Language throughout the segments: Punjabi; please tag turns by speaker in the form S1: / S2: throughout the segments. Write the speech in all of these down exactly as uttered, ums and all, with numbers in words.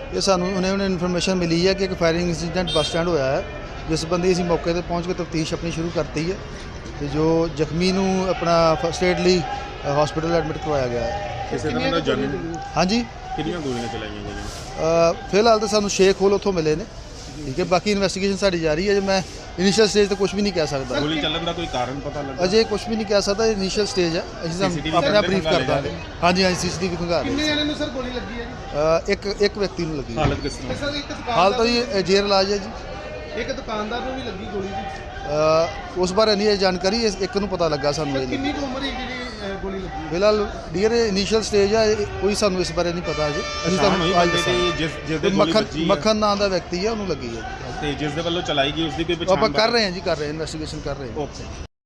S1: ये सानू उन्हें उन्हें इन्फॉर्मेशन मिली है कि एक फायरिंग इंसीडेंट बस स्टैंड होया है, जिस बंदी असीं मौके ते पहुँच के तफ्तीश अपनी शुरू करती है। तो जो जख्मी नूं अपना फर्स्ट एड लई हॉस्पिटल एडमिट करवाया गया है।
S2: ਕਿਸੇ ਤਰ੍ਹਾਂ ਦਾ ਜਾਨੀ
S1: हाँ जी,
S2: ਕਿੰਨੀਆਂ ਗੋਲੀਆਂ ਚਲਾਈਆਂ ਗਈਆਂ?
S1: अ, फिलहाल तो सानू शेख होल उत्थों मिले ने, ठीक है। बाकी इन्वेस्टिगेशन साडी जारी है। जो मैं इनिशियल स्टेज तो कुछ भी नहीं कह सकता,
S2: ਗੋਲੀ ਚੱਲਣ ਦਾ ਕੋਈ ਕਾਰਨ ਪਤਾ ਲੱਗਾ?
S1: अजय कुछ भी नहीं कह सकता। इनिशियल स्टेज है, ਅਸੀਂ
S2: CCTV
S1: अपने आप ब्रीफ
S2: ਖੰਗਾਲੇ
S1: कर ਦਾਂਗੇ। हाँ जी, हाँ जी, सीसीटीवी खंगाल
S3: ਕਿੰਨੇ ਜਣੇ ਨੂੰ ਸਰ ਗੋਲੀ ਲੱਗੀ ਹੈ ਜੀ?
S1: अ, एक एक व्यक्ति ਨੂੰ ਲੱਗੀ है।
S2: ਹਾਲਤ ਕਿਸ ਤਰ੍ਹਾਂ?
S3: ਸਰ ਇੱਕ
S1: हाल तो
S3: ਦੁਕਾਨਦਾਰ
S1: ये जेर इलाज है जी।
S3: ਇੱਕ ਦੁਕਾਨਦਾਰ ਨੂੰ ਵੀ ਲੱਗੀ ਗੋਲੀ ਜੀ।
S1: ਅ, ਉਸ ਬਾਰੇ ਨਹੀਂ ਇਹ ਜਾਣਕਾਰੀ, ਇਸ ਇੱਕ ਨੂੰ ਪਤਾ ਲੱਗਾ ਸਾਨੂੰ।
S3: ਸਰ
S1: ਇਹ
S3: ਕਿੰਨੀ ਕੁ ਉਮਰ ਹੈ ਜਿਹੜੀ ਅਹ, ਗੋਲੀ ਲੱਗੀ ਹੈ?
S1: ਫਿਲਹਾਲ ਡੀਅਰ ਇਨੀਸ਼ੀਅਲ ਸਟੇਜ ਆ, ਇਹ- ਕੋਈ ਸਾਨੂੰ ਇਸ ਬਾਰੇ ਨਹੀਂ ਪਤਾ ਅਜੇ। ਅਸੀਂ
S2: ਸ਼ਾਮ ਹੋਈ
S1: ਤੁਹਾਨੂੰ ਅੱਜ
S2: ਬੰਦੇ ਦੀ ਜਿਸ ਜਿਸ ਦੇ
S1: ਦੱਸਾਂਗੇ।
S2: ਗੋਲੀ
S1: ਮੱਖਣ
S2: ਵੱਜੀ ਹੈ
S1: ਮੱਖਣ ਨਾਂ ਦਾ ਵਿਅਕਤੀ ਹੈ, ਉਹਨੂੰ ਲੱਗੀ ਹੈ।
S2: ਤੇ ਜਿਸ ਦੇ ਵੱਲੋਂ ਚਲਾਈ ਗਈ ਉਸ ਦੀ ਕੋਈ
S1: ਉਹ
S2: ਪਛਾਣ?
S1: ਆਪਾਂ ਕਰ ਰਹੇ ਹਾਂ ਜੀ, ਕਰ ਰਹੇ ਹਾਂ, ਇਨਵੈਸਟੀਗੇਸ਼ਨ ਕਰ ਰਹੇ ਹਾਂ।
S2: ਓਕੇ।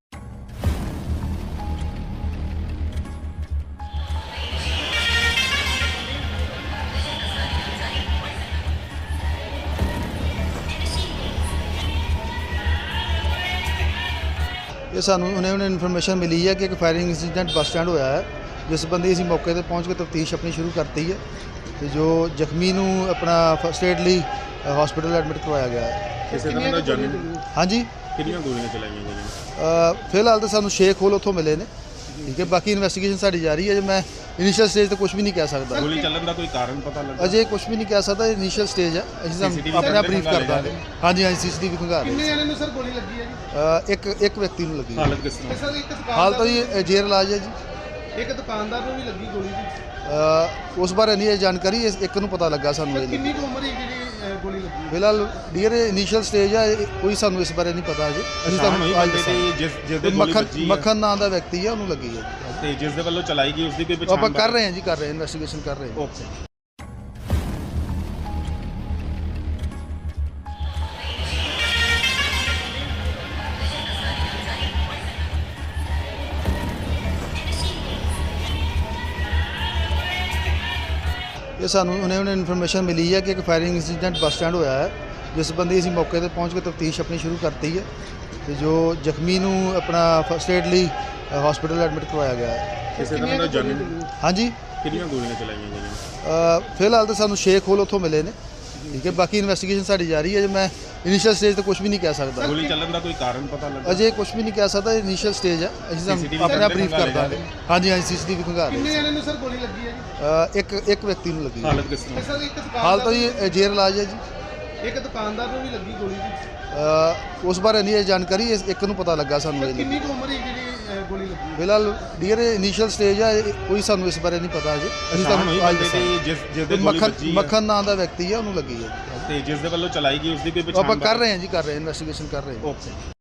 S1: ਇਹ ਸਾਨੂੰ ਉਹਨੇ ਉਹਨੇ ਇਨਫੋਰਮੇਸ਼ਨ ਮਿਲੀ ਹੈ ਕਿ ਇੱਕ ਫਾਇਰਿੰਗ ਇੰਸੀਡੈਂਟ ਬੱਸ ਸਟੈਂਡ ਹੋਇਆ ਹੈ, ਜਿਸ ਬੰਦੀ ਅਸੀਂ ਮੌਕੇ ਤੇ ਪਹੁੰਚ ਕੇ ਤਫਤੀਸ਼ ਆਪਣੀ ਸ਼ੁਰੂ ਕਰਤੀ ਹੈ। ਤੇ ਜੋ ਜ਼ਖਮੀ ਨੂੰ ਆਪਣਾ ਫਸਟ ਏਡ ਲਈ ਹਸਪੀਟਲ ਐਡਮਿਟ ਕਰਵਾਇਆ ਗਿਆ ਹੈ।
S2: ਕਿਸੇ ਤਰ੍ਹਾਂ ਦਾ ਜਾਨੀ
S1: ਹਾਂਜੀ,
S2: ਕਿੰਨੀਆਂ ਗੋਲੀਆਂ ਚਲਾਈਆਂ ਗਈਆਂ?
S1: ਅ, ਫਿਲਹਾਲ ਤਾਂ ਸਾਨੂੰ ਸ਼ੇਖ ਹੋਲ ਉੱਥੋਂ ਮਿਲੇ ਨੇ, ਠੀਕ ਹੈ। ਬਾਕੀ ਇਨਵੈਸਟੀਗੇਸ਼ਨ ਸਾਡੀ ਜਾਰੀ ਹੈ। ਜੇ ਮੈਂ ਇਨੀਸ਼ੀਅਲ ਸਟੇਜ ਤੇ ਕੁਝ ਵੀ ਨਹੀਂ ਕਹਿ ਸਕਦਾ,
S2: ਗੋਲੀ ਚੱਲਣ ਦਾ ਕੋਈ ਕਾਰਨ ਪਤਾ ਲੱਗਾ?
S1: ਅਜੇ ਕੁਝ ਵੀ ਨਹੀਂ ਕਹਿ ਸਕਦਾ। ਇਨੀਸ਼ੀਅਲ ਸਟੇਜ ਹੈ, ਅਸੀਂ
S2: C C T V
S1: ਆਪਣੇ ਆਪ ਬਰੀਫ ਕਰ
S2: ਖੰਗਾਲੇ
S1: ਦਾਂਗੇ। ਹਾਂਜੀ, ਹਾਂਜੀ, ਸੀਸੀਟੀਵੀ ਖੰਗਾਲ
S3: ਕਿੰਨੇ
S1: ਰਹੇ।
S3: ਜਣੇ ਨੂੰ ਸਰ ਗੋਲੀ ਲੱਗੀ ਹੈ ਜੀ?
S1: ਅ, ਇੱਕ ਇੱਕ ਵਿਅਕਤੀ ਨੂੰ ਲੱਗੀ ਹੈ।
S2: ਹਾਲਤ ਕਿਸ ਤਰ੍ਹਾਂ?
S3: ਸਰ ਇੱਕ
S1: ਹਾਲ ਤਾਂ
S3: ਦੁਕਾਨਦਾਰ
S1: ਇਹ ਜੇਰ ਇਲਾਜ ਹੈ ਜੀ।
S3: ਇੱਕ ਦੁਕਾਨਦਾਰ ਨੂੰ ਵੀ ਲੱਗੀ ਗੋਲੀ ਜੀ।
S1: ਅ, ਉਸ ਬਾਰੇ ਨਹੀਂ ਇਹ ਜਾਣਕਾਰੀ, ਇਸ ਇੱਕ ਨੂੰ ਪਤਾ ਲੱਗਾ ਸਾਨੂੰ।
S3: ਸਰ
S1: ਇਹ
S3: ਕਿੰਨੀ ਕੁ ਉਮਰ ਹੈ ਜਿਹੜੀ ਅਹ, ਗੋਲੀ ਲੱਗੀ ਹੈ?
S1: ਫਿਲਹਾਲ ਡੀਅਰ ਇਨੀਸ਼ੀਅਲ ਸਟੇਜ ਆ, ਇਹ- ਕੋਈ ਸਾਨੂੰ ਇਸ ਬਾਰੇ ਨਹੀਂ ਪਤਾ ਅਜੇ। ਅਸੀਂ
S2: ਸ਼ਾਮ ਹੋਈ
S1: ਤੁਹਾਨੂੰ ਅੱਜ
S2: ਬੰਦੇ
S1: ਦੱਸਾਂਗੇ।
S2: ਦੀ ਜਿਸ ਜਿਸ ਦੇ ਗੋਲੀ
S1: ਮੱਖਣ
S2: ਵੱਜੀ ਹੈ
S1: ਮੱਖਣ ਨਾਂ ਦਾ ਵਿਅਕਤੀ ਹੈ, ਉਹਨੂੰ ਲੱਗੀ ਹੈ।
S2: ਤੇ ਜਿਸ ਦੇ ਵੱਲੋਂ ਚਲਾਈ ਗਈ ਉਸ ਦੀ ਕੋਈ
S1: ਉਹ
S2: ਪਛਾਣ?
S1: ਆਪਾਂ ਕਰ ਰਹੇ ਹਾਂ ਜੀ, ਕਰ ਰਹੇ ਹਾਂ, ਇਨਵੈਸਟੀਗੇਸ਼ਨ ਕਰ ਰਹੇ ਹਾਂ।
S2: ਓਕੇ।
S1: ਇਹ ਸਾਨੂੰ ਉਹਨੇ ਉਹਨੇ ਇਨਫੋਰਮੇਸ਼ਨ ਮਿਲੀ ਹੈ ਕਿ ਇੱਕ ਫਾਇਰਿੰਗ ਇੰਸੀਡੈਂਟ ਬੱਸ ਸਟੈਂਡ ਹੋਇਆ ਹੈ, ਜਿਸ ਬੰਦੀ ਅਸੀਂ ਮੌਕੇ ਤੇ ਪਹੁੰਚ ਕੇ ਤਫਤੀਸ਼ ਆਪਣੀ ਸ਼ੁਰੂ ਕਰਤੀ ਹੈ। ਤੇ ਜੋ ਜ਼ਖਮੀ ਨੂੰ ਆਪਣਾ ਫਸਟ ਏਡ ਲਈ ਹਸਪੀਟਲ ਐਡਮਿਟ ਕਰਵਾਇਆ ਗਿਆ ਹੈ।
S2: ਕਿਸੇ ਤਰ੍ਹਾਂ ਦਾ ਜਾਨੀ
S1: ਹਾਂਜੀ,
S2: ਕਿੰਨੀਆਂ ਗੋਲੀਆਂ ਚਲਾਈਆਂ ਗਈਆਂ?
S1: ਅ, ਫਿਲਹਾਲ ਤਾਂ ਸਾਨੂੰ ਸ਼ੇਖ ਹੋਲ ਉੱਥੋਂ ਮਿਲੇ ਨੇ, ਠੀਕ ਹੈ। ਬਾਕੀ ਇਨਵੈਸਟੀਗੇਸ਼ਨ ਸਾਡੀ ਜਾਰੀ ਹੈ। ਜੇ ਮੈਂ ਇਨੀਸ਼ੀਅਲ ਸਟੇਜ ਤੇ ਕੁਝ ਵੀ ਨਹੀਂ ਕਹਿ ਸਕਦਾ,
S2: ਗੋਲੀ ਚੱਲਣ ਦਾ ਕੋਈ ਕਾਰਨ ਪਤਾ ਲੱਗਾ?
S1: ਅਜੇ ਕੁਝ ਵੀ ਨਹੀਂ ਕਹਿ ਸਕਦਾ। ਇਨੀਸ਼ੀਅਲ ਸਟੇਜ ਹੈ, ਅਸੀਂ
S2: C C T V
S1: ਤੁਹਾਨੂੰ ਆਪਣੇ ਆਪ ਬਰੀਫ ਕਰ
S2: ਖੰਗਾਲੇ
S1: ਦਾਂਗੇ। ਹਾਂਜੀ, ਹਾਂਜੀ, ਸੀਸੀਟੀਵੀ ਖੰਗਾਲ ਰਹੇ।
S3: ਕਿੰਨੇ ਜਣੇ ਨੂੰ ਸਰ ਗੋਲੀ ਲੱਗੀ ਹੈ ਜੀ?
S1: ਅ, ਇੱਕ ਇੱਕ ਵਿਅਕਤੀ ਨੂੰ ਲੱਗੀ ਹੈ।
S2: ਹਾਲਤ ਕਿਸ ਤਰ੍ਹਾਂ?
S3: ਸਰ ਇੱਕ
S1: ਹਾਲ ਤਾਂ
S3: ਦੁਕਾਨਦਾਰ
S1: ਇਹ ਜੇਰ ਇਲਾਜ ਹੈ ਜੀ।
S3: ਇੱਕ ਦੁਕਾਨਦਾਰ ਨੂੰ ਵੀ ਲੱਗੀ ਗੋਲੀ ਜੀ।
S1: ਅ, ਉਸ ਬਾਰੇ ਨਹੀਂ ਇਹ ਜਾਣਕਾਰੀ, ਇਸ ਇੱਕ ਨੂੰ ਪਤਾ ਲੱਗਾ ਸਾਨੂੰ।
S3: ਸਰ
S1: ਇਹ
S3: ਕਿੰਨੀ ਕੁ ਉਮਰ ਹੈ ਜਿਹੜੀ ਅਹ, ਗੋਲੀ ਲੱਗੀ ਹੈ?
S1: ਫਿਲਹਾਲ ਡੀਅਰ ਇਨੀਸ਼ੀਅਲ ਸਟੇਜ ਆ, ਇਹ- ਕੋਈ ਸਾਨੂੰ ਇਸ ਬਾਰੇ ਨਹੀਂ ਪਤਾ ਅਜੇ। ਅਸੀਂ
S2: ਸ਼ਾਮ ਹੋਈ
S1: ਤੁਹਾਨੂੰ ਅੱਜ
S2: ਬੰਦੇ
S1: ਦੱਸਾਂਗੇ।
S2: ਦੀ ਜਿਸ ਜਿਸ ਦੇ ਗੋਲੀ
S1: ਮੱਖਣ
S2: ਵੱਜੀ ਹੈ
S1: ਮੱਖਣ ਨਾਂ ਦਾ ਵਿਅਕਤੀ ਹੈ, ਉਹਨੂੰ ਲੱਗੀ ਹੈ।
S2: ਤੇ ਜਿਸ ਦੇ ਵੱਲੋਂ ਚਲਾਈ ਗਈ ਉਸ ਦੀ ਕੋਈ
S1: ਉਹ
S2: ਪਛਾਣ?
S1: ਆਪਾਂ ਕਰ ਰਹੇ ਹਾਂ ਜੀ, ਕਰ ਰਹੇ ਹਾਂ, ਇਨਵੈਸਟੀਗੇਸ਼ਨ ਕਰ ਰਹੇ ਹਾਂ।
S2: ਓਕੇ।